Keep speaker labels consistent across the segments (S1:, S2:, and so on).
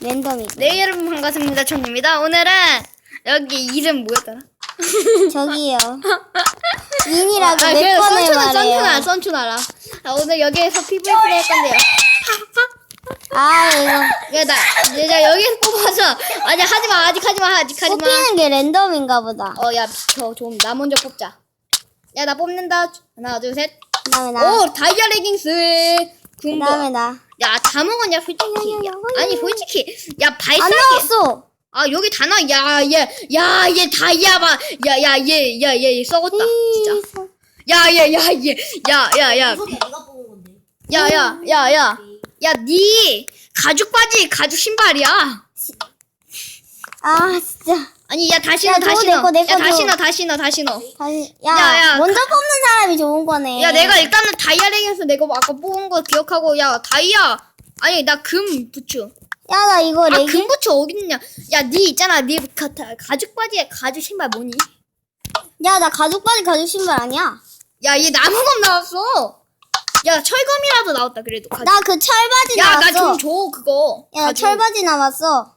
S1: 랜덤이고.
S2: 네, 여러분 반갑습니다. 천입니다. 오늘은 여기 이름 뭐였더라?
S1: 저기요. 인이라고
S2: 그래도
S1: 몇 번을 말해요.
S2: 썬춘 알아. 자, 오늘 여기에서 PVP 할 건데요.
S1: 아, 이거.
S2: 야, 내가 여기에서 뽑아서. 아니, 하지마, 아직 하지마.
S1: 뽑히는 게 랜덤인가 보다.
S2: 야, 비켜. 좀, 나 먼저 뽑자. 야, 나 뽑는다. 하나, 둘, 셋.
S1: 그 다음에 나.
S2: 오, 다이아 레깅스.
S1: 그 다음에 나.
S2: 야, 다 먹었냐, 솔직히. 야, 아니, 솔직히. 야,
S1: 안
S2: 발사기.
S1: 나왔어.
S2: 아, 여기 다 나와. 얘 다이아 봐. 얘 썩었다. 진짜. 야.
S3: 소리 내가 뽑은 건데.
S2: 야, 니 가죽 바지, 가죽 신발이야.
S1: 아, 진짜.
S2: 아니, 야, 다시
S1: 야,
S2: 넣어,
S1: 저거
S2: 다시
S1: 내
S2: 넣어.
S1: 거, 내
S2: 야,
S1: 거
S2: 다시
S1: 줘.
S2: 넣어, 다시 넣어, 다시 넣어.
S1: 다시.
S2: 야.
S1: 먼저 뽑는 사람이 좋은 거네.
S2: 야, 내가 일단은 다이아 랭에서 내가 아까 뽑은 거 기억하고, 야, 다이아. 아니, 나 금 부츠.
S1: 야, 나 이거
S2: 아,
S1: 레깅.
S2: 금 부츠 어딨냐. 야, 니 있잖아. 니 가죽 바지에 가죽 신발 뭐니?
S1: 야, 나 가죽 바지 가죽 신발 아니야.
S2: 야, 얘 나무검 나왔어. 야, 철검이라도 나왔다, 그래도. 가죽.
S1: 나 그 철바지
S2: 야,
S1: 나왔어.
S2: 나 좀 줘, 그거.
S1: 야, 나
S2: 가죽.
S1: 철바지 남았어.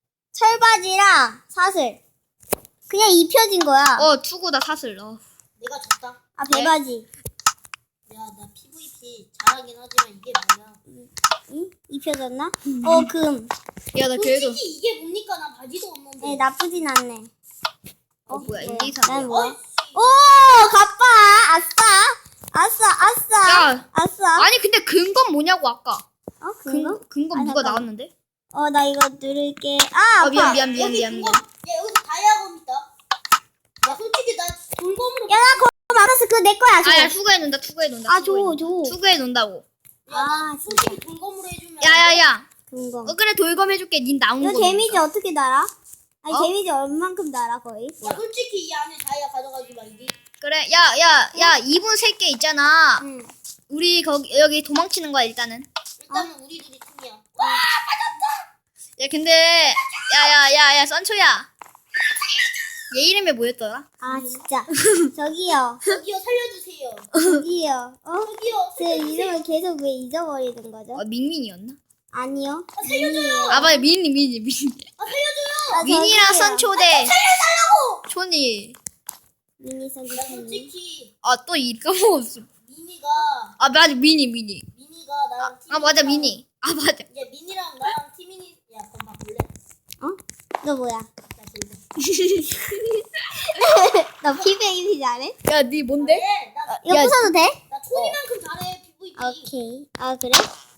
S1: 철바지랑 사슬. 그냥 입혀진 거야.
S2: 투구다, 사슬.
S3: 내가 졌다.
S1: 아, 배바지.
S3: 야, 나 PVP 잘하긴 하지만 이게 뭐야?
S1: 응? 입혀졌나? 금.
S2: 야, 나 그래도.
S3: 솔직히 이게 뭡니까? 나 바지도 없는데.
S1: 네, 나쁘진 않네.
S2: 뭐야, 1, 2, 3.
S1: 난 뭐야?
S3: 어이씨.
S1: 오, 가빠. 아싸.
S2: 야.
S1: 아싸.
S2: 아니, 근데 근건 뭐냐고, 아까.
S1: 그거?
S2: 근건
S1: 아,
S2: 누가
S1: 잠깐만.
S2: 나왔는데?
S1: 나 이거 누를게. 아, 아파.
S2: 미안.
S3: 여기 그거. 야, 여기서 다이아검 있다. 야, 솔직히 나 돌검으로.
S1: 야, 나 그거 맞았어. 그거 내 거야. 줘.
S2: 야, 투구해 놓는다.
S1: 아, 줘.
S2: 투구해 놓는다고.
S1: 아,
S3: 솔직히 돌검으로 해주면.
S2: 야.
S1: 금공.
S2: 그래, 돌검 해줄게. 닌 나온
S1: 너
S2: 거.
S1: 데미지 어떻게 달아? 아니,
S2: 어?
S1: 데미지 얼만큼 달아, 거의?
S3: 야, 솔직히 이 안에 다이아 가져가지 말기.
S2: 그래, 야, 이분 3개 있잖아.
S1: 응.
S2: 우리 여기 도망치는 거야, 일단은.
S3: 일단은 우리 둘이 팀이야.
S2: 야, 근데, 야, 썬초야. 얘 이름이 뭐였더라?
S1: 아, 진짜. 저기요.
S3: 저기요, 살려주세요.
S1: 저기요.
S3: 저기요,
S1: 제 이름을 계속 왜 잊어버리는 거죠?
S2: 민민이었나?
S1: 아니요.
S3: 살려줘요.
S2: 아, 맞아, 민이.
S3: 살려줘요.
S1: 아,
S2: 민이랑
S1: 저기요.
S2: 썬초대. 초니.
S1: 미니
S3: 나
S1: 선생님.
S3: 솔직히
S2: 또 까먹었어.
S3: 미니가
S2: 아, 맞아, 미니.
S3: 미니가 나랑 팀.
S2: 아, 맞아, 미니. 아, 맞아.
S3: 이제 미니랑 나랑 팀이니. 야, 그럼 바꿀래?
S1: 너 뭐야?
S3: 나 돌고.
S1: 너 피베이비 잘해?
S2: 야, 니 뭔데?
S3: 네,
S1: 이거
S2: 야,
S1: 부숴도 돼?
S3: 나 초이만큼 잘해 PVP.
S1: 오케이. 아, 그래?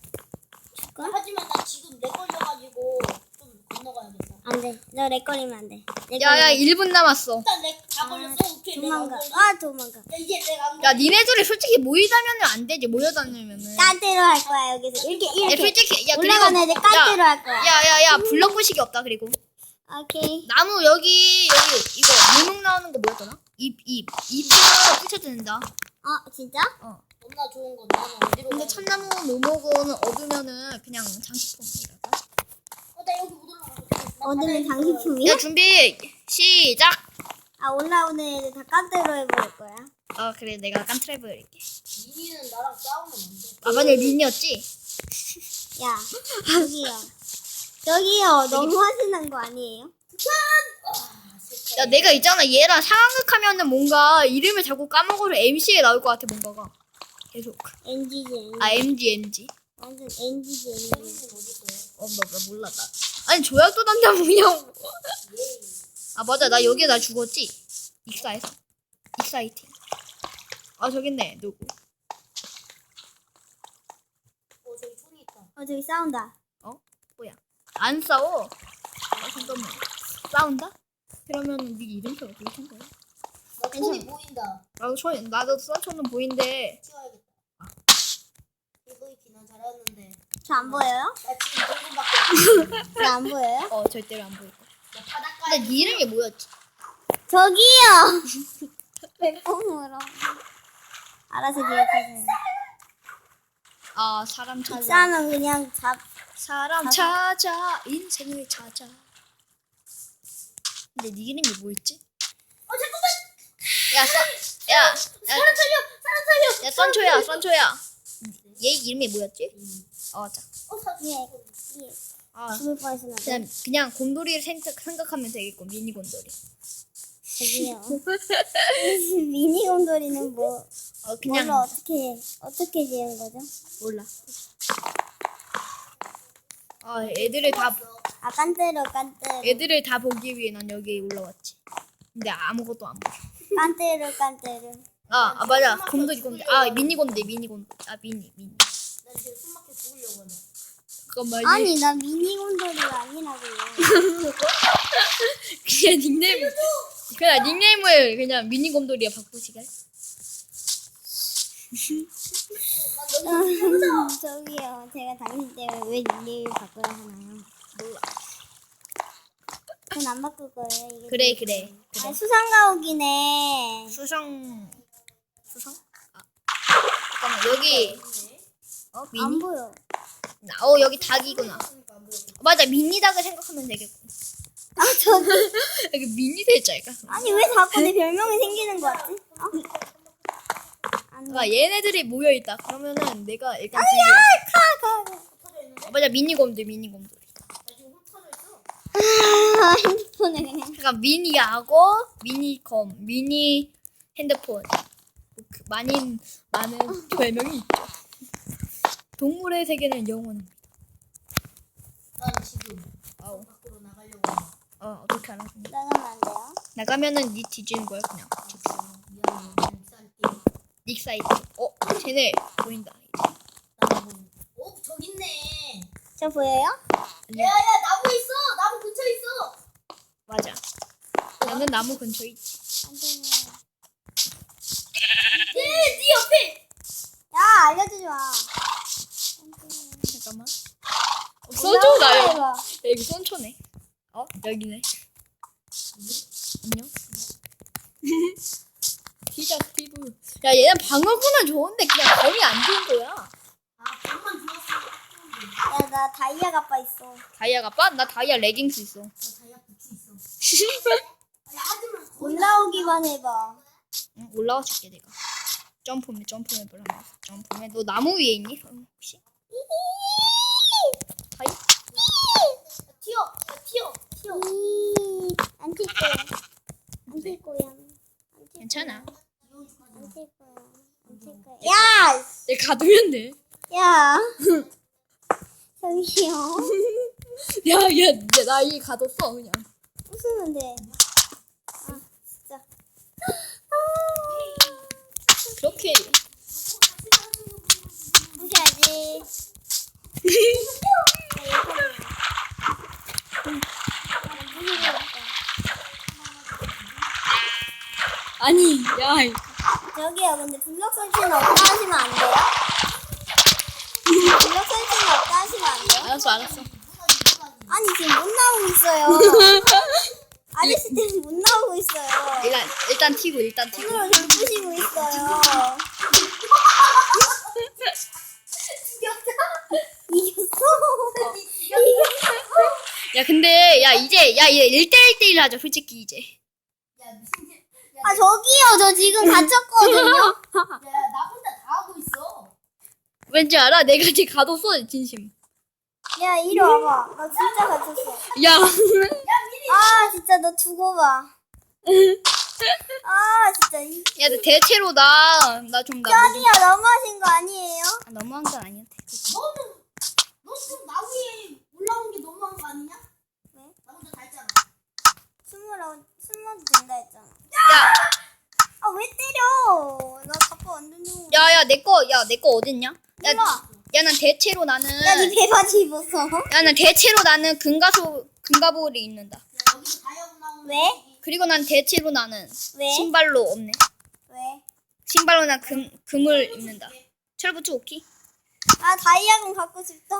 S3: 하지만 나 지금 렉 걸려가지고 좀 건너가야겠다.
S1: 안 돼. 너 렉 걸리면 안 돼.
S2: 야, 1분 남았어.
S3: 일단 렉 다 걸렸어. 오케이, 렉안
S1: 도망가.
S3: 걸려.
S1: 아, 도망가.
S3: 야, 이제 렉안 걸려.
S2: 야, 니네들이 솔직히 모이다면은 안 되지, 모여다니면은.
S1: 깐대로 할 거야, 여기서. 이렇게,
S2: 야,
S1: 이렇게.
S2: 솔직히, 야,
S1: 올라가는 애들 깐대로 할 거야.
S2: 야, 블럭 부식이 없다, 그리고.
S1: 오케이.
S2: 나무 여기, 이거, 물목 나오는 거 뭐였더라? 잎으로 부셔진다.
S1: 진짜?
S3: 겁나 좋은 건 나는 어디로
S2: 근데
S3: 가야 돼?
S2: 참나무 모목은 얻으면은 그냥 장식품이랄까?
S3: 나 여기 못 올라가.
S1: 얻으면 장식품이야?
S2: 야, 준비, 시작!
S1: 올라오는 애들 다 깐대로 해버릴 거야.
S2: 그래, 내가 깐트래블 할게.
S3: 미니는 나랑 싸우면 안 돼.
S2: 아, 맞아, 민이었지?
S1: 야, 저기요, 너무 하시는 거 아니에요?
S2: 야, 내가 있잖아, 얘랑 상황극하면은 뭔가 이름을 자꾸 까먹어서 MC에 나올 것 같아, 뭔가가. 계속.
S1: NG지.
S2: 아, MG.
S1: 완전 NG지, NG.
S3: 미니는 어디 있어요?
S2: 나 몰라, 나. 아니, 조약도 단다, 뭐냐고. 아, 맞아, 나 여기에 나 죽었지? 익사해서. 익사이팅. 아, 저기 있네, 누구.
S3: 저기 총이 있다.
S1: 저기 싸운다.
S2: 뭐야. 안 싸워. 잠깐만. 싸운다? 그러면 네 이름표 어떻게 한 거야?
S3: 나 총이 보인다.
S2: 나도 썬초는 보이는데.
S3: 치워야겠다. PVP 난 잘하는데.
S1: 저 안 보여요?
S3: 나 지금 돌고밖에
S1: 저 안 보여요?
S2: 절대로 안 보일 거야.
S3: 나 바닷가에.
S2: 근데 네 이름이 뭐였지?
S1: 저기요! 멘붕으로. 알아서 기억하세요.
S2: 아, 사람 찾아.
S1: 싸면 그냥
S2: 사람 찾아. 인생을 찾아. 근데 네 이름이 뭐였지?
S3: 잠깐만.
S2: 야,
S3: 사람 살려.
S2: 야, 썬초야. 얘 이름이 뭐였지? 맞아.
S1: 예.
S2: 아,
S1: 죽을 뻔했어 나.
S2: 그냥 곰돌이를 생각하면 되겠고, 미니 곰돌이.
S1: 저기요. 미니 곰돌이는 뭐
S2: 그냥
S1: 뭘로 어떻게 지은 거죠?
S2: 몰라. 애들을 다
S1: 아 깐때려.
S2: 애들을 다 보기 위해 난 여기 올라왔지. 근데 아무것도 안 보여.
S1: 깐때려.
S2: 맞아. 곰돌이. 미니 곰돌이. 미니.
S3: 나 지금 숨막혀 죽으려고 하네.
S2: 잠깐만.
S1: 아니 나 미니 곰돌이가 아니라고요.
S2: 그냥 닉네임을 그냥 미니 곰돌이에 바꾸시게.
S1: 저기요. 제가 당신 때문에 왜 닉네임 바꿔야 하나요?
S2: 몰라.
S1: 전 안 바꿀 거예요. 이게
S2: 그래.
S1: 아 수상가옥이네.
S2: 수성. 잠깐만 여기.
S1: 안
S2: 미니.
S1: 보여.
S2: 여기 닭이구나. 맞아 미니 닭을 생각하면 되겠고.
S1: 아 저기.
S2: 여기 미니 돼지가.
S1: 아니 왜 자꾸 내 별명이 생기는 거 같지? 안 돼.
S2: 얘네들이 모여 있다. 그러면은 내가 일단
S1: 가.
S2: 맞아 미니 곰돌.
S3: 나 지금 흩어져 있어.
S1: 아 핸드폰에 그냥.
S2: 그러니까 미니하고 미니 핸드폰 많은 별명이 있죠. 동물의 세계는 영원합니다.
S3: 난 지금
S2: 아우.
S3: 밖으로 나가려고 하네.
S2: 어떻게 알았니?
S1: 나가면 안 돼요?
S2: 나가면은 니 뒤지는 거야 그냥.
S3: 미안해. 그냥 쌀게.
S2: 닉 사이트. 쟤네 보인다.
S3: 저기 있네.
S1: 저 보여요?
S3: 야야 나무 있어. 나무 근처에 있어.
S2: 맞아. 나는 나무 근처에 있지.
S1: 안 돼요.
S3: 네 옆에.
S1: 야 알려주지 마.
S2: 잠깐만. 써줘 나 여기.
S1: 해봐.
S2: 여기 손초네. 여기네. 안녕. 피자 피부. 야 얘는 방어구는 좋은데 그냥 검이 안 좋은 거야.
S3: 잠만 들었어.
S1: 야 나 다이아 가빠 있어.
S2: 다이아 가빠? 나 다이아 레깅스 있어.
S3: 나 다이아 부츠 있어. 야 하지만
S1: 올라오기만 해봐.
S2: 응, 올라와 줄게 내가. 점프맵 하면서 점프맵. 너 나무 위에 있니? 혹시? 다이?
S3: 튀어.
S1: 안튈 거야. 안튈 거야.
S2: 괜찮아.
S1: 안튈 거야. 야!
S2: 내가 가두면 돼.
S1: 야! 저기요.
S2: 야, 나 이 가뒀어 그냥.
S1: 웃으면 돼. 아 진짜.
S2: 그렇게.
S1: 무시하지.
S2: 아니, 야.
S1: 저기요, 근데 블럭 설치는 없다 하시면 안 돼요? 블럭 설치는 없다 하시면 안 돼요?
S2: 알았어.
S1: 아니, 지금 못 나오고 있어요. 아저씨 때문에 못 나오고 있어요.
S2: 일단 튀고.
S1: 손으로 절 부시고 있어요. 이겼어.
S2: 야, 근데 이제 1대1 하자 솔직히 이제.
S3: 야 무슨 일?
S1: 아, 저기요, 저 지금 갇혔거든요.
S3: 야 나 혼자 다 하고 있어.
S2: 왠지 알아? 내가 지금 가뒀어 진심.
S1: 야, 이리 와봐. 나 진짜 갇혔어.
S2: 야.
S1: 아, 진짜 너 두고 봐. 아, 진짜.
S2: 야, 너 대체로 나 좀
S1: 저기요, 너무하신 거 아니에요?
S2: 너무한 건 아니야.
S3: 너 지금 나 위에 올라온 게 너무한 거 아니냐?
S1: 왜?
S3: 나 혼자 다 했잖아.
S1: 숨어도 된다 했잖아.
S2: 야,
S1: 아, 왜 때려? 나 가빠 완전 좋아.
S2: 야, 내 거 어딨냐?
S1: 몰라.
S2: 야, 난 대체로 나는.
S1: 야, 니 배바지 입었어.
S2: 야, 난 대체로 나는 금가볼이 입는다.
S3: 야 여기서 다이아고 나오는.
S1: 왜?
S2: 그리고 난 대체로 나는
S1: 왜?
S2: 신발로 없네.
S1: 왜?
S2: 신발로 난 금을 입는다. 철부츠 오키?
S1: 아, 다이아곤 갖고 싶다.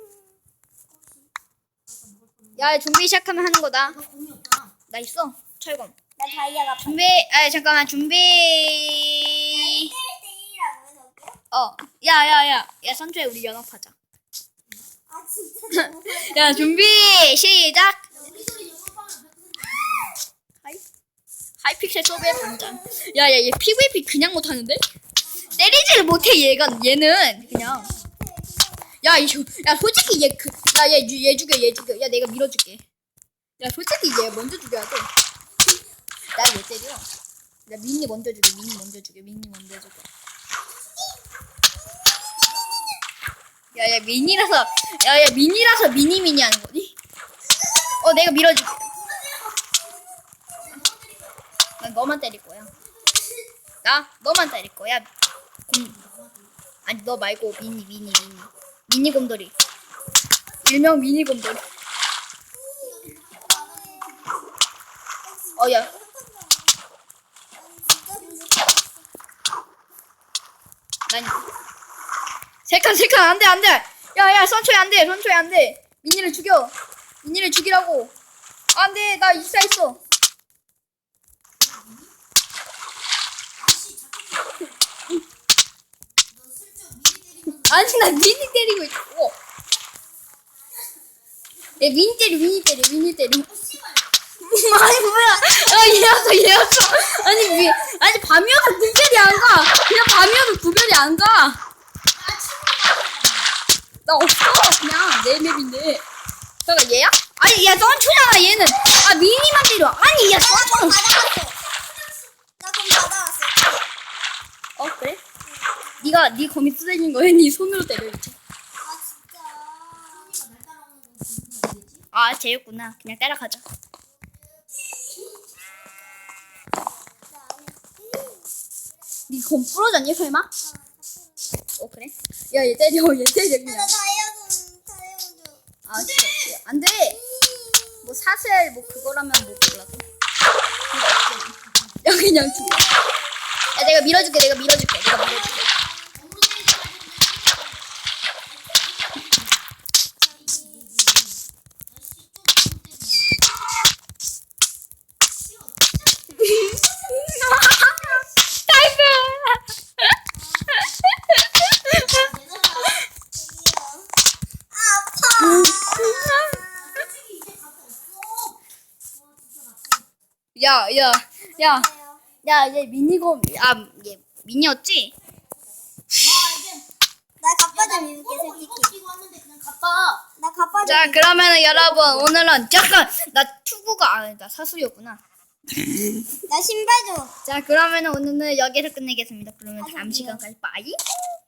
S2: 야, 준비 시작하면 하는 거다.
S3: 너 공이 없잖아.
S2: 나 있어. 철검.
S1: 나 다이아 갖고
S2: 준비. 잠깐만. 준비.
S1: 1대1이라고 해서 어때요?
S2: 야, 선주에 우리 연합하자.
S1: 아, 진짜 너무
S2: 야, 준비. 시작.
S3: 야 우리 둘이 영업하면 100%
S2: 하이픽셀 서브의 반장. 야, 얘 PVP 그냥 못하는데? 때리지를 못해 얘는 그냥. 야, 솔직히 얘 죽여. 야, 내가 밀어줄게. 야, 솔직히 얘 먼저 죽여야 돼. 나 왜 때려? 야, 미니 먼저 죽여. 야, 미니라서 미니 하는 거니? 내가 밀어줄게. 난 너만 때릴 거야. 너만 때릴 거야. 아니, 너 말고 미니 곰돌이. 일명 미니 곰돌이. 야. 난 세칸 안 돼. 야, 선초야 안 돼. 미니를 죽이라고. 안 돼, 나 익사했어. 아니, 나 미니 때리고 있고. 야, 미니 때려. 아니, 뭐야. 얘였어. 아니, 밤이어도 구별이 안 가. 그냥 밤이어도 구별이 안 가. 나 없어. 그냥 내 맵인데. 잠깐, 얘야? 아니, 야, 선초잖아, 얘는. 미니만 때려. 아니, 야, 선초.
S1: 나 그럼 받아왔어.
S2: 그래? 네 검이 쓰러진 거야? 네 손으로 때려야지. 쟤였구나. 그냥 따라가자. 네 검 부러졌니, 설마? 그래? 야, 얘 때려, 그냥.
S1: 나 다이아몬드.
S2: 진짜. 안 돼! 뭐, 사슬, 그거라면 몰라도. 야, 그냥 죽어. 야, 내가 밀어줄게. 얘 미니곰, 얘 미니였지?
S1: 나 갑바 좀 입을게, 솔직히. 나 갑바 좀.
S2: 자, 그러면은 여러분, 오늘은, 잠깐! 나 투구가, 나 사수였구나.
S1: 나 신발 좀.
S2: 자, 그러면은 오늘은 여기서 끝내겠습니다. 그러면 다음 시간까지 빠이!